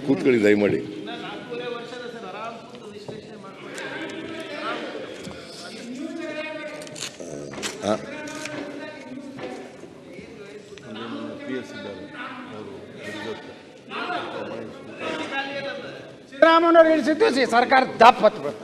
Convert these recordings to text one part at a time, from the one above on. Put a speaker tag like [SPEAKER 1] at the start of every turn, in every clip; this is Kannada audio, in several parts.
[SPEAKER 1] ಕೂತ್ಕೊಳ್ಳಿ ದಯಮಾಡಿ.
[SPEAKER 2] ಸಿದ್ದರಾಮಯ್ಯನವರು ಇಳಿಸಿದ್ದು ಸರ್ಕಾರ ದಪ್ಪ ಹತ್ಬೇಕು.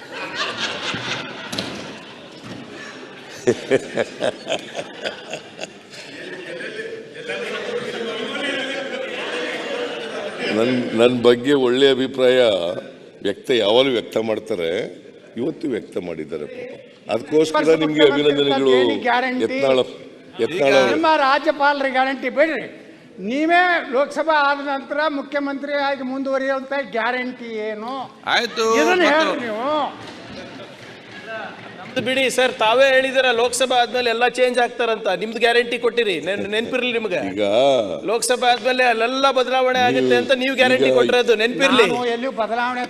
[SPEAKER 1] ನನ್ನ ಬಗ್ಗೆ ಒಳ್ಳೆ ಅಭಿಪ್ರಾಯ ಯಾವಾಗಲೂ ವ್ಯಕ್ತ ಮಾಡ್ತಾರೆ, ಇವತ್ತು ವ್ಯಕ್ತ ಮಾಡಿದ್ದಾರೆ. ಅದಕ್ಕೋಸ್ಕರ ನಿಮಗೆ ಅಭಿನಂದನೆಗಳು.
[SPEAKER 2] ನಿಮ್ಮ ರಾಜ್ಯಪಾಲರ ಗ್ಯಾರಂಟಿ ಬಿಡ್ರಿ, ನೀವೇ ಲೋಕಸಭಾ ಆದ ನಂತರ ಮುಖ್ಯಮಂತ್ರಿ ಆಗಿ ಮುಂದುವರಿಯುವಂತ ಗ್ಯಾರಂಟಿ ಏನು
[SPEAKER 3] ಆಯ್ತು
[SPEAKER 2] ಇದನ್ನ ಹೇಳ್ರಿ ನೀವು.
[SPEAKER 4] ಬಿಡಿ ಸರ್, ತಾವೇ ಹೇಳಿದಿರ ಲೋಕಸಭಾ ಆದ್ಮೇಲೆ ಎಲ್ಲ ಚೇಂಜ್ ಆಗ್ತಾರಂತ. ನಿಮ್ದು ಗ್ಯಾರಂಟಿ ಕೊಟ್ಟಿರಿ, ನೆನ್ಪಿರ್ಲಿ ನಿಮ್ಗೆ.
[SPEAKER 1] ಈಗ
[SPEAKER 4] ಲೋಕಸಭಾ ಆದ್ಮೇಲೆ ಅಲ್ಲೆಲ್ಲ ಬದಲಾವಣೆ ಆಗುತ್ತೆ ಅಂತ ನೀವು ಗ್ಯಾರಂಟಿ ಕೊಟ್ಟಿರೋದು ನೆನ್ಪಿರ್ಲಿ.
[SPEAKER 2] ಎಲ್ಲೂ ಬದಲಾವಣೆ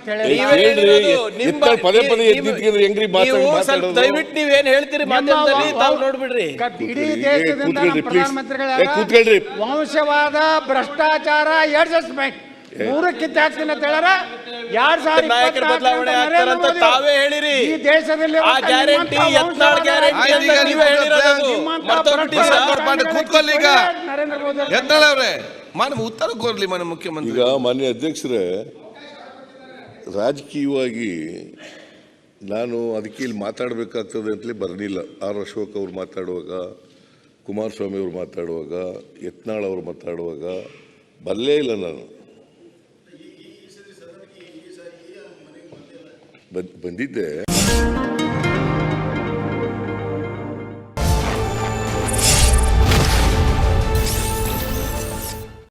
[SPEAKER 4] ದಯವಿಟ್ಟು ನೀವೇನ್ ಹೇಳ್ತೀರಿ ಮಾಧ್ಯಮದಲ್ಲಿ ತಾವು ನೋಡ್ಬಿಡ್ರಿ.
[SPEAKER 2] ಇಡೀ ದೇಶದಿಂದ ನಮ್ಮ ಪ್ರಧಾನಮಂತ್ರಿಗಳ ವಂಶವಾದ, ಭ್ರಷ್ಟಾಚಾರ, ಅಡ್ಜಸ್ಟ್ಮೆಂಟ್ ಮೂರಕ್ಕಿಂತ ಹೆಚ್ಚಿನ ತೆಳರ 2024
[SPEAKER 4] ಬದಲಾವಣೆ ಆಗ್ತಾರಂತ ತಾವೇ ಹೇಳಿರಿ.
[SPEAKER 2] ಈ ದೇಶದಲ್ಲಿ
[SPEAKER 4] ಆ ಗ್ಯಾರಂಟಿ ಯತ್ನಾಳ್ ಗ್ಯಾರಂಟಿ ಅಂತ ನೀವೇ ಹೇಳಿರೋದು.
[SPEAKER 3] ಕೂತ್ಕೊಳ್ಳಿ ಈಗ
[SPEAKER 2] ನರೇಂದ್ರ ಮೋದಿ
[SPEAKER 3] ಯತ್ನಾಳ್ ಅವರೇ ಉತ್ತರ ಕೋರ್ಲಿ ಮಾನ್ಯ ಮುಖ್ಯಮಂತ್ರಿ.
[SPEAKER 1] ಈಗ ಮಾನ್ಯ ಅಧ್ಯಕ್ಷರೇ, ರಾಜಕೀಯವಾಗಿ ನಾನು ಅದಕ್ಕೆ ಇಲ್ಲಿ ಮಾತಾಡಬೇಕಾಗ್ತದೆ ಅಂತಲೇ ಬರಲಿಲ್ಲ. ಆರ್ ಅಶೋಕ್ ಅವರು ಮಾತಾಡುವಾಗ, ಕುಮಾರಸ್ವಾಮಿ ಅವರು ಮಾತಾಡುವಾಗ, ಯತ್ನಾಳ್ ಅವರು ಮಾತಾಡುವಾಗ ಬರಲೇ ಇಲ್ಲ. ನಾನು ಬಂದಿದ್ದೆ.